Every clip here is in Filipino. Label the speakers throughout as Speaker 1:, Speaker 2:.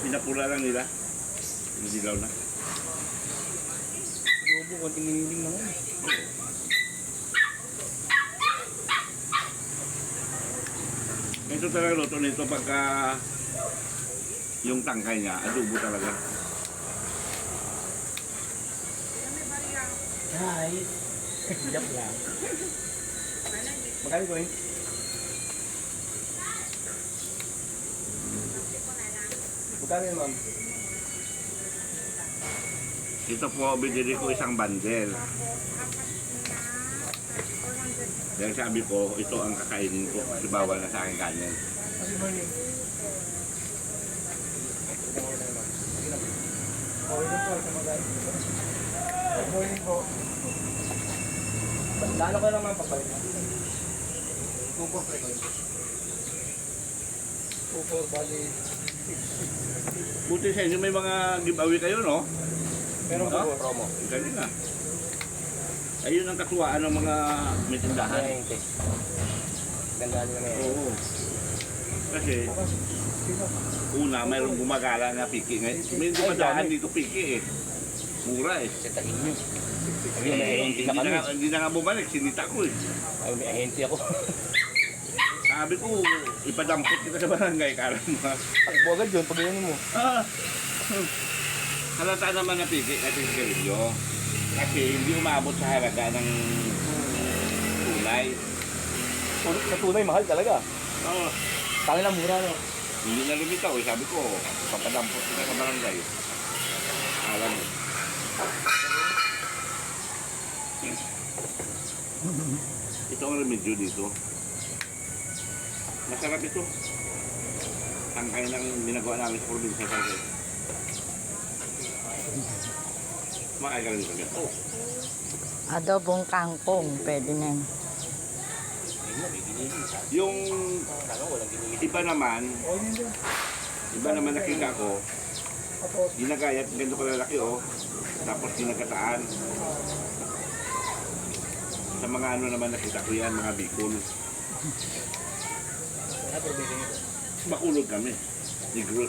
Speaker 1: Pinapula lang nila. Dilaw na.
Speaker 2: Adobo, konting niniling lang yun.
Speaker 1: Ito talaga luto nito pagka yung tangkay niya, adobo talaga.
Speaker 2: Guys! Joke lang. Magkano ko yun? Magkano yun, ma'am?
Speaker 1: Ito po, binili ko isang bandel. Dahil sabi ko, ito ang kakainin ko kasi bawal na sa akin kanin.
Speaker 2: Kasi morning. Okay na po, sa mga guys. Good morning po. Lalo ko lang mga papalit. Kupo, Kupo, bali.
Speaker 1: Buti sa inyo may mga giveaway kayo, no?
Speaker 2: Meron po promo.
Speaker 1: Ganun na. Ayun ang katuwaan ng mga may tindahan.
Speaker 2: Ganda nila ngayon.
Speaker 1: Oo. Kasi, una, mayroong gumagala na piki. May dumadaan dito piki eh. Mura eh.
Speaker 2: Setahin nyo.
Speaker 1: Hindi na nga bumalik, sinita ko eh.
Speaker 2: Ay, may ahente ako.
Speaker 1: Sabi ko, ipadampot kita sa barangay, kala mo ha.
Speaker 2: Takbo agad yun, pag ganyan mo.
Speaker 1: Halata naman na piki kasi sigarilyo. Kasi hindi umabot sa halaga ng tunay.
Speaker 2: Sa tunay, mahal talaga.
Speaker 1: Oo.
Speaker 2: Tangin lang mura, no?
Speaker 1: Hindi na lumitaw eh. Sabi ko, papadampot kita sa barangay. Alam mo. Ito ang remedyo dito. Masarap ito. Tangkay ng ginagawa namin sa probinsya sa akin. Makaya ka rin sa ganito.
Speaker 3: Adobong kangkong, pwede na yun.
Speaker 1: Yung iba naman nakita ko, ginagayat, ganito kalalaki oh. Tapos ginagataan. Sa mga ano naman nakita ko yan, mga bikol. Makulog kami. Negros.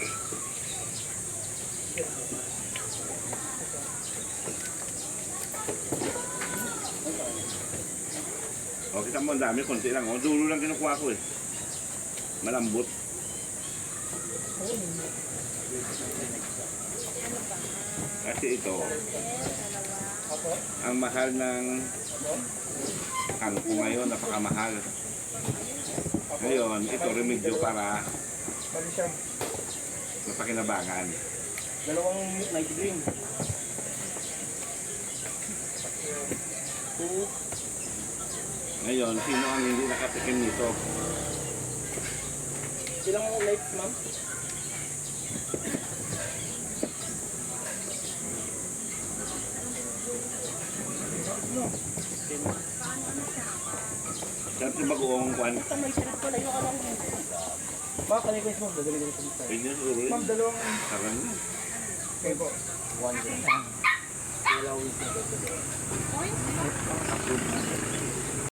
Speaker 1: O, kita mo ang dami, konti lang. O, dulo lang kinukuha ko eh. Malambot. Kasi ito, ang mahal ng kangkong ngayon, napakamahal. Ngayon, ito remedyo para mapakinabangan.
Speaker 2: Dalawang night green.
Speaker 1: Ngayon, sino ang hindi nakatikim nito?
Speaker 2: Ilang nights, ma'am?
Speaker 1: Sarap yung bagoong kwan.
Speaker 2: Ma'am, kanay ko yung dadali ko sa
Speaker 1: Pwede siguro yun.
Speaker 2: Ma'am, dalawang...
Speaker 1: Sarap na.
Speaker 2: Okay po. One day. Wala week na.